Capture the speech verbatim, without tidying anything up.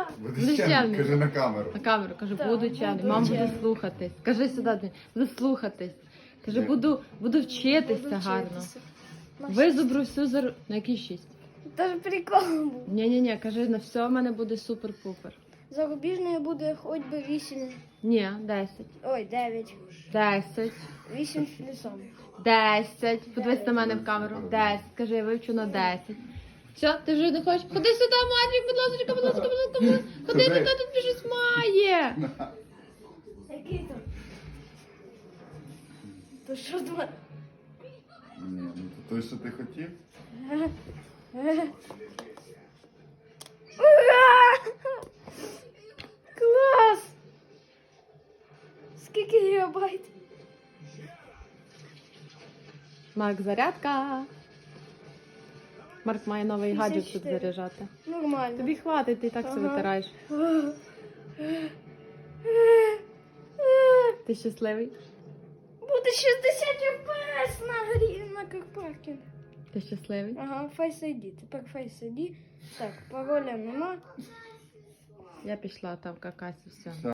Буду Будеш чемний, чемний? кажи на камеру. На камеру, кажу, Так, буду буду чемний. Мам буде чемний. слухатись. Кажи сюди, Дім, буду слухатись. Кажи, Ні. буду, буду вчитися Буду гарно. вчитися. На Визубру всю за... На який шість? шість. Та ж прикол був. Ні-ні-ні, кажи, на все в мене буде супер-пупер. Зарубіжної буде хоч би вісім. Ні, десять. Ой, дев'ять. Десять. вісім з плюсом. Десять. Подивись на мене в камеру. Десять. Кажи, я вивчу на десять. Все, ти вже не хочеш? Ходи сюди, Мадрік, будь ласка, будь ласка, будь ласка, будь ласка. Ходи Ходи. туди, тут щось має. Який там? То що там? Ні, ну то той, що ти хотів. Ура! Клас! Скільки гігабайт? Марк, зарядка. Марк має новий гаджет тут п'ятдесят чотири. заряджати. Нормально. Тобі хватить, ти і так все Ага. витираєш. Ти щасливий? Буде шістдесят еф пі ес на грі на карпаркінг. Ти щасливий? Ага, Face ай ді. Тепер Face ай ді. Так, пароля нема. Я пішла там какась і все.